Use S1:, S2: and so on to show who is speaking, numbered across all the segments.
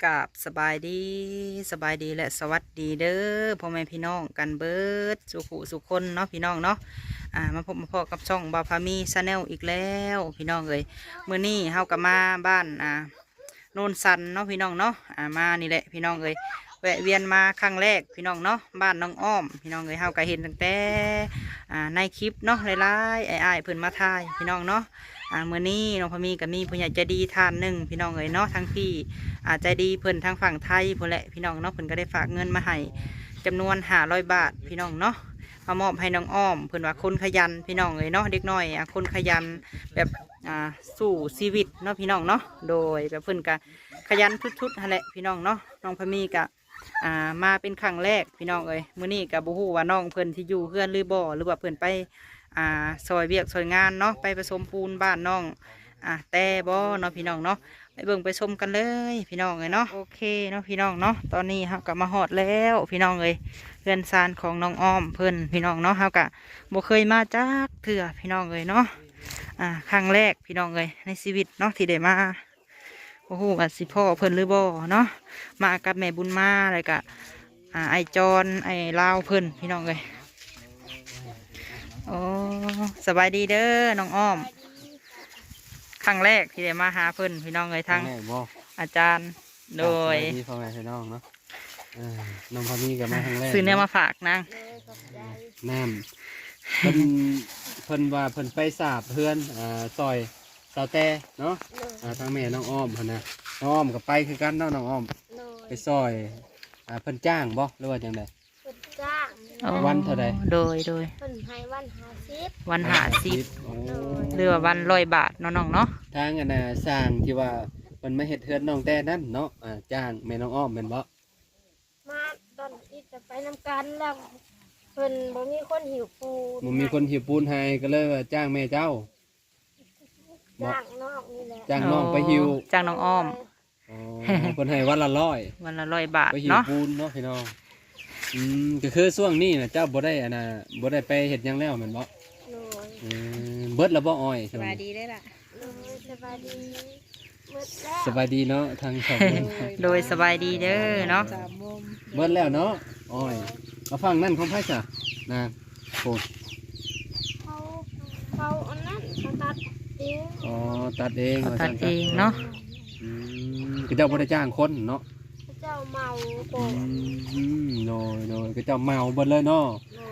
S1: กับสบายดีและสวัสดีเด้อพ่อแม่พี่น้องกันเบิดสุขคนเนาะพี่น้องเนาะมาพบมาพอกับช่องบาพามีชาแนลอีกแล้วพี่น้องเลยมื้อนี้เฮากับมาบ้านโนนสันเนาะพี่น้องเนาะมานี่แหละพี่น้องเลยแวะเวียนมาครั้งแรกพี่น้องเนาะบ้านน้องอ้อมพี่น้องเลยเฮาก็เห็นตั้งแต่ในคลิปเนาะหลายๆอ้ายเพิ่นมาถ่ายพี่น้องเนาะมื้อนี้น้องพามีก็มีผู้ใหญ่ใจดีท่านหนึ่งพี่น้องเลยเนาะทั้งพี่ใจดีเพิ่นทางฝั่งไทยพุ่นแหละพี่น้องเนาะเพิ่นก็ได้ฝากเงินมาให้จำนวน500 บาทพี่น้องเนาะมามอบให้น้องอ้อมเพิ่นว่าคนขยันพี่น้องเลยเนาะเด็กน้อยคนขยันแบบสู้ชีวิตเนาะพี่น้องเนาะโดยแบบเพิ่นก็ขยันทุดๆนั่นแหละพี่น้องเนาะน้องพามีก็มาเป็นครั้งแรกพี่น้องเอ้ยมื้อนี้ก็บ่ฮู้ว่าน้องเพิ่นที่อยู่เฮือนหรือบ่หรือว่าเพิ่นไปซอยเวียกซอยงานเนาะไปผสมปูนบ้านน้องแต่บ่เนาะพี่น้องเนาะไปเบิ่งไปชมกันเลยพี่น้องเอ้ยเนาะโอเคเนาะพี่น้องเนาะตอนนี้เฮาก็มาฮอดแล้วพี่น้องเอ้ยเฮือนซานของน้องอ้อมเพิ่นพี่น้องเนาะเฮาก็บ่เคยมาจักเทื่อพี่น้องเอ้ยเนาะครั้งแรกพี่น้องเอ้ยในชีวิตเนาะที่ได้มาโอ้โหว่าสิพ่อเพิ่นหรือบ่เนาะมากับแม่บุญมาอะไรกะไอจอนไอลาวเพิ่นพี่น้องเอ้ยโอ้สบายดีเด้อน้องอ้อมครั้งแรกที่ได้มาหาเพิ่นพี่น้องเอ้ยทั้งอาจารย์โดย
S2: ที่พ่อแม่พี่น้องเนาะน้องพามีกับมาครั้งแรก
S1: ซื้อเนื้อมาฝากนาง
S2: น้ำเพิ่นว่าเพิ่นไปสาบเพื่อนซอยสาวแต่เนาะทางแม่น้องอ้อมเพิ่นนะน้องอ้อมกับไปคือกันเนาะน้องอ้อมไปซอยเพิ่นจ้างบ่หรือว่าจังได๋
S3: เพิ่นจ้าง
S2: วันเท่าใด
S1: โดย
S3: เพิ่นให้
S1: วัน50หรือว่าวัน100 บาทเนาะน้องเนาะ
S2: ทางสร้างที่ว่าเพิ่นมาเฮ็ดเฮือนน้องแต่นั้นเนาะจ้างแม่น้องอ้อมแม่นบ่
S3: มาตอนที่จะไปนำกันแล้วเพิ่นบ่มีคนหิวปูน
S2: บ่มีคนหิวปูนให้ก็เลยว่าจ้างแม่เจ้า
S3: จ้างน้องนี่แหละ
S2: จ้างน้องไปหิว
S1: จ้างน้องอ้อม
S2: เพิ่นให้วันละ100
S1: วันละ100 บาท
S2: ไปหิว
S1: เนาะ
S2: ปูนเนาะพี่น้องก็คือช่วงนี้นะเจ้าบ่ได้บ่ได้ไปเฮ็ดหยังแล้วแม่นบ่เบิดแล้วบ่อ้อย
S1: สบายดีได้ล่ะ
S3: สบายดีเบิดแล้ว
S2: สบายดีเนาะทางสอง
S1: โดยสบายดีเด้อเนาะ
S2: เบิดแล้วเนาะอ้อยมาฟังนั่นของไผจ้ะนะโอ้
S3: เขาอันนั้นเขาตัดเอง
S2: ตัดเอง
S1: ตัดเองเนาะ
S2: คือเจ้าบ่ได้จ้างคนเนาะ
S3: เจ้าเมาโก
S2: โดยคือเจ้าเมาเบิดเลยเนาะ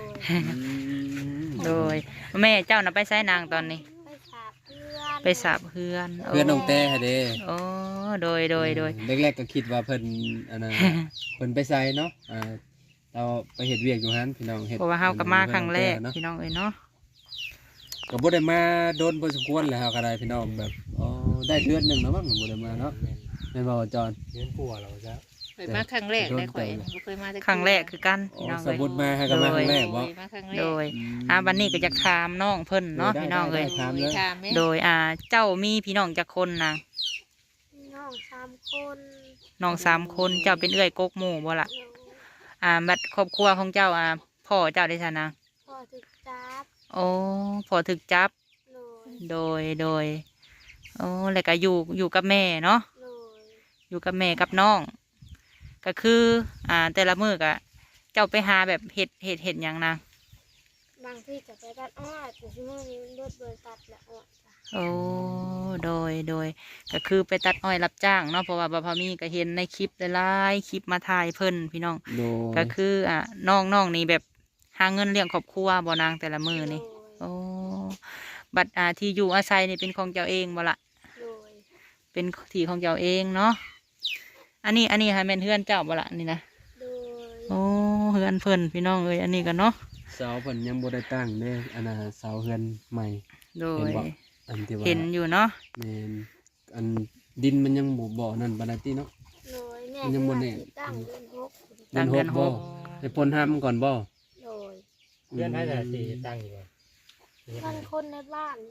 S1: โดยแม่เจ้าน่ะไปใช้นางตอนนี้ไปสาบเพื่อน
S2: น้องแต่เด้
S1: โอ้โดย
S2: แรกๆก็คิดว่าเพิ่นเพิ่นไปใส่เนาะเราไปเฮ็ดเวียกอยู่หั่นพี่น้องเฮ็ด
S1: เพราะว่าเฮาก็มาครั้งแรกพี่น้องเอ้ยเนาะ
S2: ก็บ่ได้มาโดนพอสมควรแล้วเฮาก็ได้พี่น้องแบบได้เดือนนึงแล้วมั้งบ่ได้มาเนาะแม่นบ่จอน
S4: เดือนกว่าแล้วจ้ะ
S1: เคยมาครั้งแรกได้ข่อยบ่เคยมาครั้งแรกคือกันพี่น้อง
S2: เอ้ยสมมุติมาให้ก็มาครั้งแรกบ่
S1: โดยบัดนี้ก็อยากถามน้องเพิ่นเนาะพี่น้องเอ้ยโดยเจ้ามีพี่น้องจักคนนาง
S3: น้อง3 คน
S1: น้อง3 คนเจ้าเป็นเอื้อยกกหมู่บ่ล่ะบัดครอบครัวของเจ้าพ่อเจ้าได้ซะนะ
S3: พ่อถึกจับ
S1: โอ้พ่อถึกจับโดยโอ้แล้วก็อยู่กับแม่เนาะอยู่กับแม่กับน้องก็คือแต่ละมื้อก็เจ้าไปหาแบบเห็ดหยังนะ
S3: บางที่จะไปตัดอ้อยแต่ที่มื้อนี้รถเบิดตัดแล้วอ้อย
S1: โอ้โดยก็คือไปตัดอ้อยรับจ้างเนาะเพราะว่าบ่พอมีก็เห็นในคลิปหลายๆคลิปมาถ่ายเพิ่นพี่น้องก็คือน้องนี่แบบหาเงินเลี้ยงครอบครัวบ่นางแต่ละมื้อนี่โอ้บัดที่อยู่อาศัยนี่เป็นของเจ้าเองบ่ล่ะเป็นที่ของเจ้าเองเนาะอันนี้ให้แม่นเฮือนเจ้าบ่ล่ะนี่นะโอ้เฮือนเพิ่นพี่น้องเอ้ยอันนี้กันเนาะ
S2: เสาเพิ่นยังบ่ได้ตั้งเด้เสาเฮือนใหม่
S1: โดยเห็นอยู่เนาะ
S2: แม่นดินมันยังบ่นั่นปานใดติเนาะมันยังบ่แน่
S3: ตั้ง
S1: เดือน6
S2: บ่ให้พ่นห้ามก่อนบ่
S3: โดย
S4: เดือนไหนจะสิตั้งอยู่บ่
S3: มันคนในบ้าน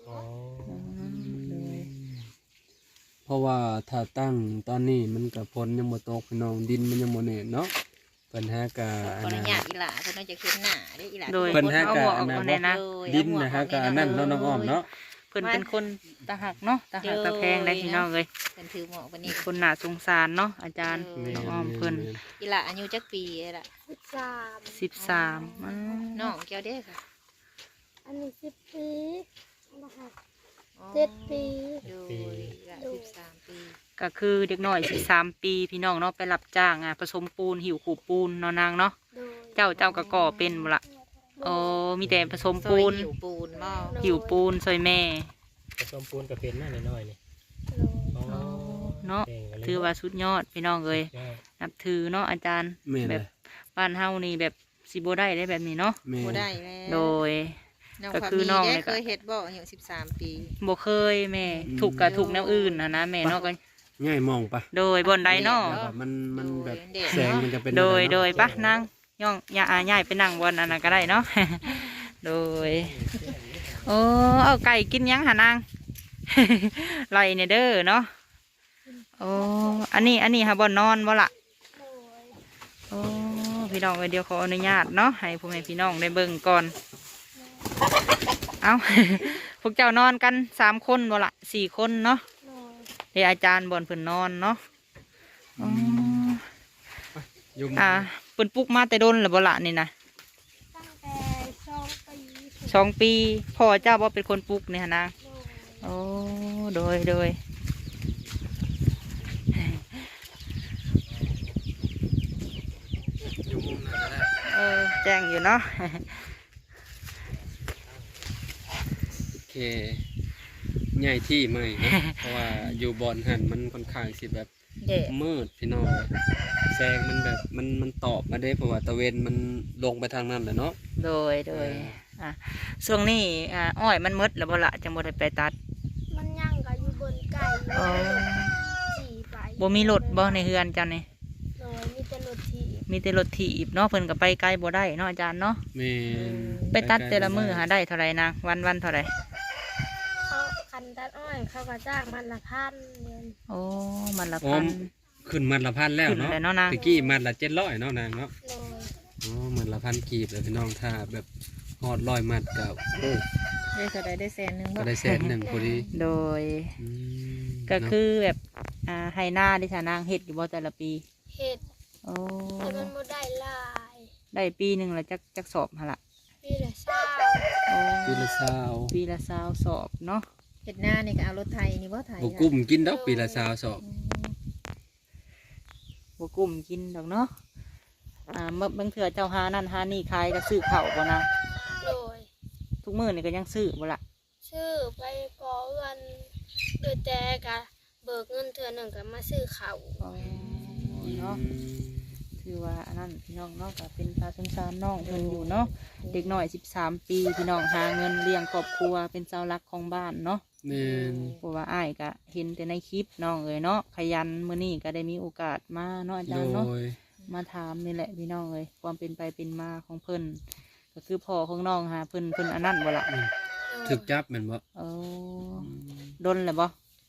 S2: เพราะว่าถ้าตั้งตอนนี้มันกับฝนยังบ่ตกพี่น้องดินมันยังบ่แน่นเนาะปัญหากะ
S5: อันนั้นอีหล่าเพิ่นน่าจะขึ้นหน้าได้อีหล่า
S2: ปัญหากะอันนั้นดินนะฮะกะอันนั้นน้องอ้อมเนาะ
S1: เพิ่นเป็นคนตาหักเนาะตาหักตาแพงได้พี่น้องเลย
S5: เพิ่นถือหมอกวันนี้
S1: คนน่าสงสารเนาะอาจารย์
S2: แม่
S1: น้องอ้อมเพิ่น
S5: อีหละอายุจักปีล่ะ
S3: 13
S1: 13
S5: น้องแก้วเด้อค่ะ
S3: อันนี้10 ปีนะคะ
S5: อ๋อ
S3: 7 ปี
S5: โดยอีหละ13 ปี
S1: ก็คือเด็กน้อย13 ปีพี่น้องเนาะไปรับจ้างผสมปูนหิวขูดปูนเนาะนางเนาะ
S3: โดย
S1: เจ้าก็ก่อเป็นบ่ล่ะโอ้มีแต่ผสม
S5: ซอ
S1: ปู
S5: ย
S1: น
S5: หิวปูนบ่
S1: หิวปูนซอยแม่
S4: ผสมปูนกับเป็นน้อยน้อยๆนี่
S3: โดย
S4: อ๋อ
S1: เนาะ
S4: เก่งกันเลย
S1: ถือว่าสุดยอดพี่น้องเอ้ย
S4: ยอด
S1: นับถือเนาะอาจารย์
S2: แม่น
S1: แบ
S2: เล
S1: บ
S2: ย
S1: บ้านเฮานี่แบบสิบ่ได้ได้แบบนี้เนาะ
S2: แม่
S5: บ่
S2: น
S5: ได้แล้ว
S1: โดย
S5: น้อง
S1: ก็
S5: ความ
S1: คือ
S5: มี
S1: น้อง
S5: ได้
S1: เนี่ยก็
S5: เคยเฮ็ดบ่อายุ13 ปี
S1: บ่เคยแม่ถูกกับถูกแนวอื่นนะแม่เนาะก็
S2: ง่ายมองปะ
S1: โดยบนใดเนาะ
S2: แบบว่ามันแบบ
S5: เด็ก
S2: แสงมันจะเป็น
S1: โดย
S2: อะไรเนาะ
S1: โดยปะนั่งย่องอย่าย่ายไปนั่งบนอันนั้นก็ได้เนาะ โดยโอ้เอาไก่กินยังหานาง ไล่เนี่ยเด้อเนาะโอ้อันนี้หาบ่นอนบ่ล่ะ
S3: โดย
S1: โอ้พี่น้องเดี๋ยวขออนุญาตเนาะให้พ่อแม่พี่น้องได้เบิ่งก่อน เอา พวกเจ้านอนกัน3 คนบ่ล่ะ4 คนเนาะ
S3: โดย
S1: เดี๋ยวอาจารย์บนเพิ่นนอนเนาะอ๋อ
S2: ยุ่ง
S1: เพิ่นปลุกมาแต่โดนหรือบ่ล่ะนี่นะ
S3: ตั้งแต่2 ปี
S1: 2 ปีพ่อเจ้าบ่เป็นคนปลุกนี่หนนะ
S3: โดย
S1: โอ้โดยแจ้งอยู่เนาะ
S2: โอเคใหญ่ที่ไม่นะ เพราะว่าอยู่บอนหันมันค่อนข้างสิแบบ
S5: เด็ก
S2: มืดพี่น้องแสงมันแบบมันตอบมาได้เพราะว่าตะเวนมันลงไปทางนั้นแหละเนาะ
S1: โดยอ่ะช่วงนี้อ้อยมันหมดแล้วบ่ล่ะจังบ่ได้ไปตัด
S3: มันย่างก็อยู่บนไก่
S1: โอ้
S3: ขี่ไป
S1: บ่มีรถบ่ในเฮือนเจ้านี่
S3: โดยมีแต่รถถีบ
S1: มีแต่รถถีบเนาะเพิ่นก็ไปไกลบ่ได้เนาะอาจารย์เนาะ
S2: แม่น
S1: ไปตัดแต่ละมื้อหาได้เท่าไหร่นะวันเท่าไหร่
S3: เขาคันตัดอ้อยเขาก็จ้างมันละ1,000เงิน
S1: โอ้มันละ
S2: อ๋อ
S1: พัน
S2: ขึ้นมัดละพันแล้ว
S1: ขึ้น
S2: เนาะ
S1: แล้วเนาะนาง
S2: ตะกี้มัดละ700เนาะนางเนาะ
S3: โดย
S2: อ๋อมัดละพันกีบเลยพี่น้องถ้าแบบฮอด100มัดกับโอ้
S5: ได้เท่าใดได้แสนหนึง
S2: ก็
S5: บ่
S2: ได้แสนหนึ่งพอดี
S1: โดย
S2: อืม
S1: ก็คือแบบไฮนาดิฉันนางเฮ็ดอยู่บ่แต่ละปี
S3: เห็ด
S1: โอ้
S3: แต่มันบ่ได้หลาย
S1: ได้ปีหนึ่งละจักสอบหั่นละ
S3: ปีละเช้า
S1: โอ้
S2: ปีละซาว
S1: ปีละ20สอบเนาะ
S5: เฮ็ดหน้านี่ก็เอารถไถนี่บ่ไถ
S2: บ่กุ้มกินดอกปีละซาวสอบ
S1: บ่กุ้มกินดอกเนาะบางเถื่อเจ้าหานั่นหานี่ขายก็ซื้อข้าวบ่นะ
S3: โดย
S1: ทุกมื้อนี่ก็ยังซื้อบ่ล่ะ
S3: ชื่อไปก่อเงินโดยแต่กะเบิกเงินเทื่อหนึ่งก็มาซื้อข้าว
S1: อ๋อเนาะถือว่าอันนั้นพี่น้องเนาะก็เป็นตาสงสารน้องเพิ่นอยู่เนาะเด็กน้อย13 ปีพี่น้องหาเงินเลี้ยงครอบครัวเป็นเสาหลักของบ้านเนาะ
S2: แม่น
S1: เพราะว่าอ้ายก็เห็นแต่ในคลิปน้องเอ๋ยเนาะขยันมื้อนี้ก็ได้มีโอกาสมาเนาะอา
S2: โด
S1: จารย์เนาะ
S2: ย
S1: มาถามนี่แหละพี่น้องเอ๋ยความเป็นไปเป็นมาของเพิ่นก็คือพ่อของน้องหาเพิ่นอันนั้นบ่ล่ะ
S2: ถึกจับแม่นบ่
S1: โอ้ดนเลยบ่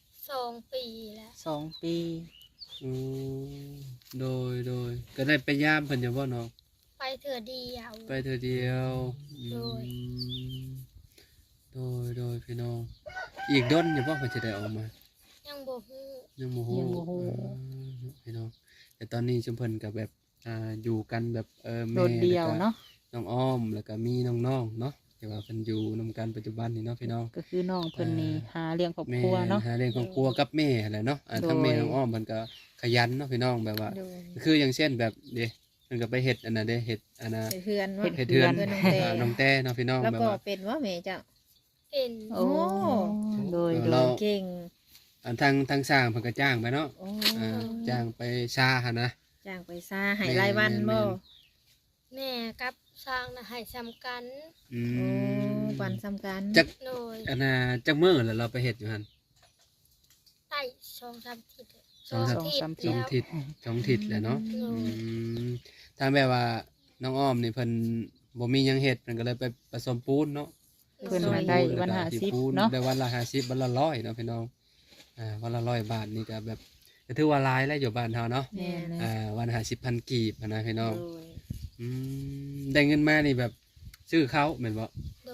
S3: 2 ปีแล้ว
S1: 2 ปี
S2: อืมโดยก็ได้ไปย่ามเพิ่นอยู่บ่น้อง
S3: ไปเถื่อเดียว
S2: ไปเธอเดียวอื
S3: โดย
S2: มโดยพี่น้อง อีกด้นอยู่บ่เพิ่นจะได้ออกมา
S3: ยังบ่ฮู้
S2: ยังโมโหพี่น้องแต่ตอนนี้ชุมเพิ่นกับแบบอยู่กันแบบ
S1: โด
S2: แม่
S1: ดเดียว
S2: แล้วก็
S1: เนาะ
S2: น้องอ้อมแล้วก็มีน้องๆเนาะแต่ว่าเพิ่นอยู่นำกันปัจจุบันนี่เนาะพี่น้อง
S1: ก็คือน้องเพิ่นนี่หาเลี้ยงครอบ
S2: แม่
S1: ครัวเนาะ
S2: หาเลี้ยงครอบครัวกับแม่แหละเนาะทั้งแม่
S1: โดย
S2: น้องอ้อมเพิ่นก็ขยันเนาะพี่น้องแบบว่า
S5: โดย
S2: คืออย่างเช่นแบบเด้เพิ่นก็ไปเฮ็ดอันน่ะเด้เฮ็ดอันน่ะ
S5: เฮ็ดเฮือนว่า
S2: เฮ็ดเทือน
S5: เฮือนน้องแต้
S2: น้องแต้เนาะพี่น้อง
S5: แล้ว
S2: แบบ
S5: ก็
S2: ว่า
S5: เป็นว่าแม่เจ้า
S3: เป็น
S1: โอ้โดย
S2: เรา
S5: เก่ง
S2: อันทางสร้างเพิ่นก็จ้างไปเนาะ
S5: โอ้
S2: จ้างไปชาหั่นนะ
S5: จ้างไปซาให้รายวันบ่
S3: แม่กับสร้างนะให้ซ้ำกัน
S2: อื
S5: โอ้
S2: ม
S5: วันสำคัญ
S2: จัก
S3: โดย
S2: อันน่ะจักมื้อแล้วเราไปเฮ็ดอยู่หั่น
S3: ได้2-3ทิศ
S2: สองสาม
S3: ทิศ
S2: สองทิศสองทิศแหละเนาะ
S3: โดย
S2: ทางแบบว่าน้องอ้อมนี่เพิ่นบ่มีหยังเฮ็ดเพิ่นก็เลยไปผสมปูนเนาะ
S1: เพิ่น
S2: ผสม
S1: มา
S2: ปู
S1: ได้
S2: แล้ว
S1: วัน
S2: ก็
S1: หา
S2: ที่
S1: สิบ
S2: ปูน
S1: เนาะ
S2: ได้วันละ50วันละ100เนาะพี่น้องวันละ100 บาทนี่ก็แบบก็ถือว่าหลายแล้วอยู่บ้านเฮาเนาะ
S1: แม่น
S2: วัน50,000กีบนะพี่น้อง
S5: โดย
S2: ได้เงินมานี่แบบซื้อเขาแม่นบ่
S3: โดย
S2: โอ้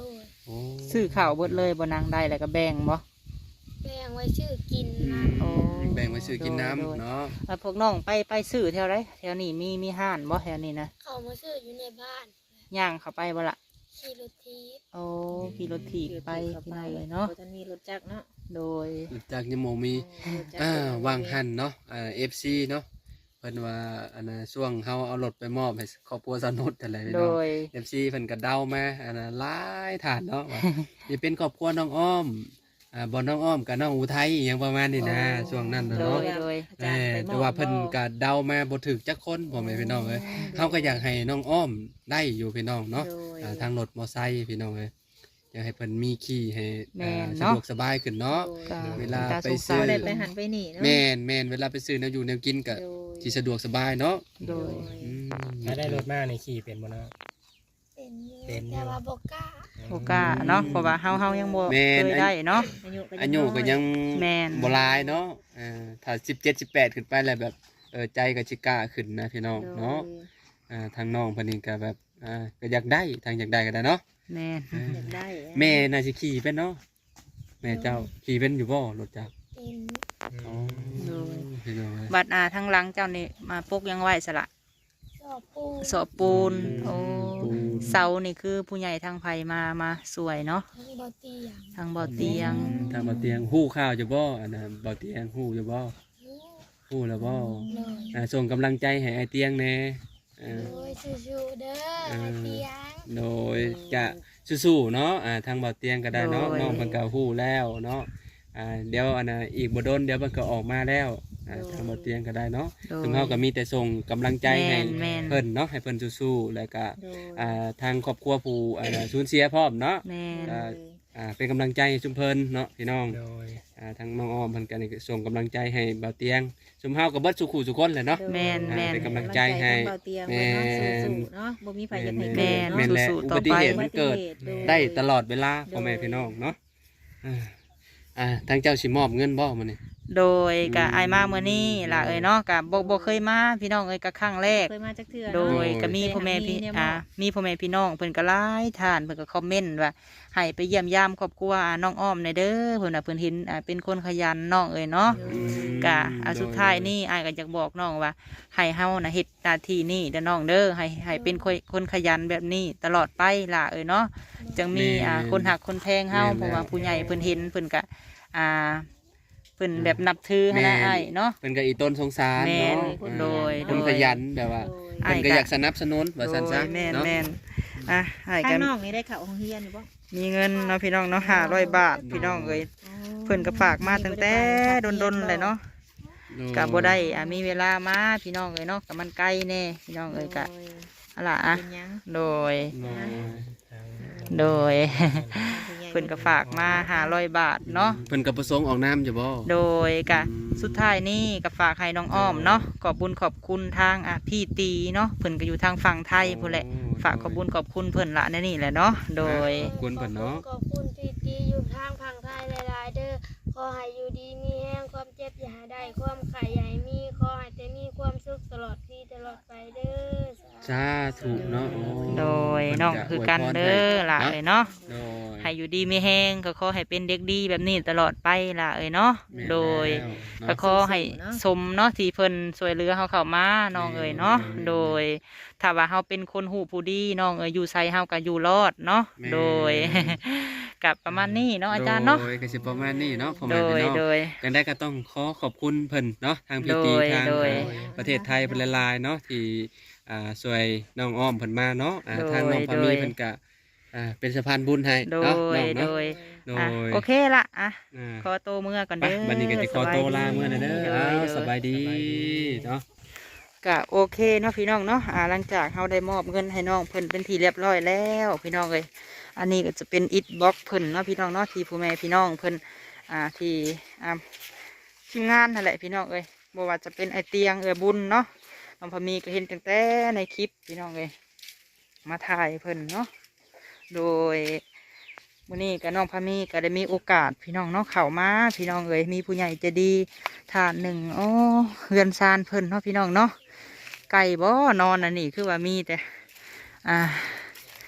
S2: โอ้
S1: ซื้อข้าวเบิดเลยบ่นางได้แล้วก็แบ่งบ่
S3: แบ่งไว้ชื่อกินนะ
S1: โอ้
S2: แบ่งไว้ซื้อกินน้ำ
S1: โดย
S2: เนาะ
S1: แล้วพวกน้องไปซื้อแถวไรแถวนี้มีห้านบ่แถวนี้นะ
S3: เขามาซื้ออยู่ในบ้าน
S1: ย่างเข้าไปบ่ละ
S3: ขี่รถทีบ
S1: โอ้ขี่รถถีบไปพี่น้องเลยเนาะ
S5: บ่ทันมีรถจักรเนาะ
S1: โดย
S2: จากยมโมมี
S5: รถจักร
S2: วางหันเนาะFC เนาะเพิ่นว่าอันน่ะช่วงเฮาเอารถไปมอบให้ครอบครัวสนุดอะไร
S1: โด
S2: เนาะ
S1: ย
S2: FC เพิ่นก็เดามาอันน่ะหลายฐานเนาะว่าสิเป็นครอบครัวน้องอ้อมบ่น้องอ้อมกับน้องอุทัยอหยังประมาณนี้นะช่วงนั้นน่ะ
S1: โด
S2: เนาะ
S1: ยโดย
S5: อาจารย์ไปมอบ
S2: แต่ว่าเพิ่นก็เดามาบ่ถึกจักคนพ่อแม่พี่น้องเอ้ยเฮาก็อยากให้น้องอ้อมได้อยู่พี่น้องเนาะ
S5: โดย
S2: ทางรถมอไซค์พี่น้องเอ้ยอยากให้เพิ่นมีขี่ให้
S1: แม่น
S2: สะ
S1: เนาะ
S2: ดวกสบายขึ้นเนาะ
S1: ก็
S2: เวลา
S1: ต
S2: ไป
S1: สง
S2: ซื้
S1: สา
S2: อ
S1: ร
S5: ได้ไปหันไปนี่เนาะ
S2: แม่นเวลาไปซื้อแนวอยู่แนวกินก็
S5: โดย
S2: สิสะดวกสบายเนาะ
S1: โดย
S2: อืม
S4: ถ้าได้รถมาในขี่เป็นบ่เนาะ
S3: เป็นอยู่
S4: เป็นอยู่
S3: แต่ว่าบกล้า
S1: โอกล้าเนาะเพราะว่าเฮายังบ่เคยได้เนาะ
S2: อายุก็ยัง
S1: แม่น
S2: บ่หลายเนาะถ้า17 18ขึ้นไปแล้วแบบใจก็สิกล้าขึ้นนะพี่น้องเนาะทางน้องเพิ่นนี่ก็แบบก็อยากได้ทางอยากได้ก็ได้เนาะ
S1: แม่น
S5: อยากได้
S2: แม่น่าสิขี่เป็นเนาะแม่เจ้าขี่เป็นอยู่บ่รถจักร
S3: เป็น
S2: อ๋อพี่น้องเอ้ย
S1: บัดทั้งหลังเจ้านี่มาปกยังไหวสละ
S3: สอบปู
S1: สอบปูนโอ้
S2: ปูน
S1: เสานี่คือผู้ใหญ่ทางไผมาสวยเนาะ
S3: ทั้งบอเตียง
S1: ทางบ่อเตียง
S2: ทางบ่อเตียงฮู้ข่าวอยู่บ่อันน่ะบ่อเตียงฮู้อยู่บ่
S3: หู
S2: ฮู้แล้วบ่
S3: เลย
S2: ส่งกำลังใจให้ไอ้เตียงแหน่เออ
S3: โดยสู้ๆเด้อไอเตียง
S2: โดยจะสู้ๆเนาะทางบ่อเตียงก็ได้เนาะ
S1: โดย
S2: น้องเพิ่นก็ฮู้แล้วเนาะเดี๋ยวอันน่ะอีกบ่โดนเดี๋ยวเพิ่นก็ออกมาแล้วทางบ่อเตียงก็ได้เนาะ
S1: โดย
S2: ซึ่งเฮาก็มีแต่ส่งกำลังใจให้
S1: แม่น
S2: เพิ่นเนาะให้เพิ่นสู้ๆแล้วก็
S5: โดย
S2: ทางครอบครัวผู้สูญเสียพร้อมเนาะ
S1: แม่น
S2: เป็นกำลังใจให้ชุมเพิ่นเนาะพี่น้อง
S4: โดย
S2: ทางน้องอ้อมเพิ่นก็นี่ก็ส่งกำลังใจให้บ่าวเตียงชุมเฮาก็เบิดสุขุสุคนแหละเนาะ
S1: แม่นแม่น
S2: เป็นกำลังใจให้
S5: เบาเตียง
S2: แม่
S5: ไว้เนาะ
S2: น
S5: สู้ๆเนาะบ่มีไผอยากให้
S1: แม่
S5: เกิด
S1: น
S5: เนาะ
S2: แม่นแหละ
S1: สู้
S2: อุ
S1: ๆต่อ
S2: บัติ
S1: ไป
S2: เหตุมันเกิด ได้ตลอดเวลาพ่อแม่พี่น้องเนาะทางเจ้าสิมอบเงินบ่มื้อนี้
S1: โดยกะอายมาเมื่อนี้ล่ะเอ้ยเนาะกะบ่เคยมาพี่น้องเอ้ยกะครั้งแรก
S5: เคยมาจักเทื่อ
S1: โด
S5: เนาะ
S1: ยก็มีพ่อแม่พี่
S5: เนี่ย
S1: มีพ่อแม่พี่น้องเพิ่นก็หลายท่านเพิ่นก็คอมเมนต์ว่าให้ไปเยี่ยมยามครอบครัวน้องอ้อมในอยเด้อเพิ่นน่ะเพิ่นเห็นเป็นคนขยันน้องเอ้ยเนาะกะสุดท้ายนี่อายก็อยากบอกน้องว่าให้เฮาน่ะเฮ็ดหน้าที่นี่เด้อน้องเด้อให้เป็นคนขยันแบบนี้ตลอดไปล่ะเอ้ยเนาะจังมีคนหักคนแพงเฮาเพราะว่าผู้ใหญ่เพิ่นเห็นเพิ่นก็เพิ่นแบบนับถือหั้นนะอ้ายเนาะ
S2: เพิ่นก็อีต้นสงสาร
S1: แม่น
S2: เนาะ
S1: โดย
S2: คนขยันแบบว่า
S5: โดย
S1: อ้า
S2: เพิ่
S1: ย
S2: นก็อยากสนับสนุนว่าซั่นซะ
S1: โดยแม่น
S2: เนาะ
S1: แม่นให้
S5: ทา
S1: กั
S5: ง
S1: น
S5: น้องนี่ได้เข้าโรงเรียนอยู่บ่
S1: มีเงินเนาะพี่น้องเนาะ500 บาทพี่น้องเอ้ยเพิ่นก็ฝากมาตั้งแต่ดนๆเลยเนาะก็บ่ได้มีเวลามาพี่น้องเอ้ยเนาะก็มันไกลแน่พี่น้องเอ้ยก็อะล่ะ
S5: เป็นหยัง
S1: โดย
S2: โดย
S1: โดย เพิ่นก็ฝากมา500 บาทเนาะ
S2: เพิ่นก็ประสงค์ออกน้ำอยู่บ่
S1: โดยก็สุดท้ายนี่ก็ฝากให้น้องอ้อมเนาะขอบบุญขอบคุณทางพี่ตีเนาะเพิ่นก็อยู่ทางฝั่งไทยพุ่นแหละฝากขอบบุญขอบคุณเพิ่นละในนี่แหละเนาะโดย
S2: ขอบคุณเพิ่นเนาะ
S3: ขอบคุณที่ตีอยู่ทางพังไทยหลายๆเด้อขอให้อยู่ดีมีแห้งความเจ็บอย่าให้ได้ความไข่อย่าให้มีขอให้แต่มีความสุขตลอดปีตลอดไปเด้อ
S2: สาธุเนาะโอ้
S1: โดยน้องคือกันเด้อล่ะเอ้ยเนาะ
S2: โดย
S1: ให้อยู่ดีไม่แห้งก็ขอให้เป็นเด็กดีแบบนี้ตลอดไปล่ะเอ้ยเนาะ
S2: แม่น
S1: โดย
S2: แล้ว
S1: ก็ขอให้สมเนาะที่เพิ่นช่วยเหลือเฮาเข้ามาน้องเอ้ยเนาะโดยถ้าว่าเฮาเป็นคนหูผู้ดีน้องเอ้ยอยู่ไสเฮาก็อยู่รอดเนาะ
S2: แม่น
S1: โดย กับประมาณนี้เนาะอาจารย์เนาะ
S2: โดยก็สิประมาณนี้เนาะพ่อ
S1: โด
S2: แม่
S1: ย
S2: พี่น้อง
S1: โดย
S2: จังได้ก็ต้องขอบคุณเพิ่นเนาะทางพีตี
S1: โดย
S2: ทาง
S1: โดย
S2: ประเทศไทยเพิ่นหลายๆเนาะที่ช่วยน้องอ้อมเพิ่นมาเนาะ
S1: โดย
S2: ทางน้องพามี
S1: โดย
S2: เพิ่นก็เป็นสะพานบุญให้
S1: โด
S2: เนาะ
S1: ย
S2: น้อง
S1: โด
S2: เนาะ
S1: ย
S2: โด
S1: อ่ะ
S2: ย
S1: โอเคละอ่ะ
S2: อ่า
S1: ขอโตวเมื่อก่อน
S2: ไป
S1: เด้อ
S2: บัดนี้ก็จะขอโตวลาเมื่อนะเด้อ
S1: โด
S2: อ้าวย
S1: โดย
S2: สบายดีเนาะ
S1: ก็โอเคเนาะพี่น้องเนาะหลังจากเราได้มอบเงินให้น้องเพิ่นเป็นที่เรียบร้อยแล้วพี่น้องเลยอันนี้ก็จะเป็นอิฐบล็อกเพิ่นเนาะพี่น้องเนาะที่ผู้แม่พี่น้องเพิ่นที่ทีมงานนั่นแหละพี่น้องเลยบ่ว่าจะเป็นไอเตียงบุญเนาะน้องพามีก็เห็นตั้งแต่ในคลิปพี่น้องเลยมาถ่ายเพิ่นเนาะโดยมื้อนี้ก็น้องพามีก็ได้มีโอกาสพี่น้องเนาะเข้ามาพี่น้องเลยมีผู้ใหญ่ใจะดีทานหนึ่งโอ้เฮือนซานเพิ่นเนาะพี่น้องเนาะไก่บ่นอนอันนี้คือว่ามีแต่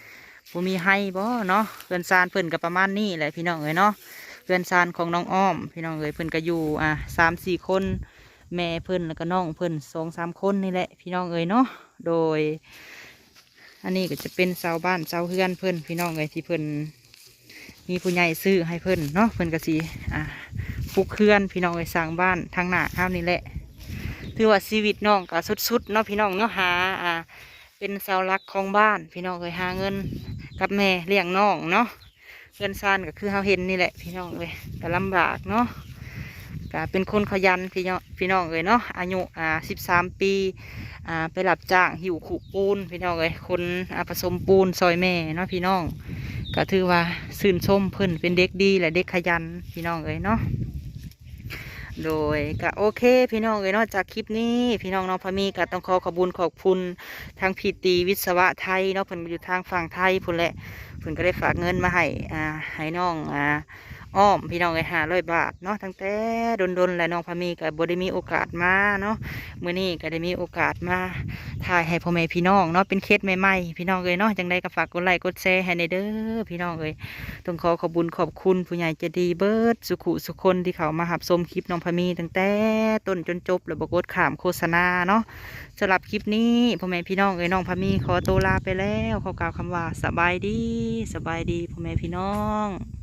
S1: บ่มีให้บ่เนาะเพื่อนซานเพิ่นก็ประมาณนี้แหละพี่น้องเอ้ยเนาะเพื่อนซานของน้องอ้อมพี่น้องเอ้ยเพิ่นก็อยู่3-4 คนแม่เพิ่นแล้วก็น้องเพิ่น2-3 คนนี่แหละพี่น้องเอ้ยเนาะโดยอันนี้ก็จะเป็นเสาบ้านเสาเฮือนเพิ่นพี่น้องเอ้ยที่เพิ่นมีผู้ใหญ่ซื้อให้เพิ่นเนาะเพิ่นก็สิปลูกเฮือนพี่น้องเอ้ยสร้างบ้านทางหน้าข้าวนี่แหละถือว่าชีวิตน้องก็สุดๆเนาะพี่น้องเนาะหาเป็นเสาหลักของบ้านพี่น้องเอ้ยหาเงินกับแม่เลี้ยงน้องเนาะเงินซานก็คือเฮาเห็นนี่แหละพี่น้องเอ้ยก็ลำบากเนาะก็เป็นคนขยันพี่น้องเอ้ยเนาะอายุ13 ปีไปรับจ้างหิวขู่ปูนพี่น้องเอ้ยคนผสมปูนซอยแม่เนาะพี่น้องก็ถือว่าชื่นชมเพิ่นเป็นเด็กดีและเด็กขยันพี่น้องเอ้ยเนาะโดยก็โอเคพี่น้องเอ้ยเนาะจากคลิปนี้พี่น้องน้องพามีก็ต้องขอขอบคุณทางพีตีวิศวะไทยเนาะเพิ่นอยู่ทางฝั่งไทยพุ่นแหละเพิ่นก็ได้ฝากเงินมาให้น้องอ้อมพี่น้อง500 บาทเนาะตั้งแต่ดนและน้องพามีก็บ่ได้มีโอกาสมาเนาะมื้อนี้ก็ได้มีโอกาสมาถ่ายให้พ่อแม่พี่น้องเนาะเป็นเคสใหม่ๆพี่น้องเอ้ยเนาะจังใดก็ฝากกดไลค์กดแชร์ให้ในเด้อพี่น้องเอ้ยต้องขอขอบคุณผู้ใหญ่ใจดีเบิดสุขุสุคนที่เขามาหับชมคลิปน้องพามีตั้งแต่ต้นจนจบแล้วบ่กดข้ามโฆษณาเนาะสำหรับคลิปนี้พ่อแม่พี่น้องเอ้ยน้องพามีขอตัวลาไปแล้วขอกล่าวคำว่าสบายดีพ่อแม่พี่น้อง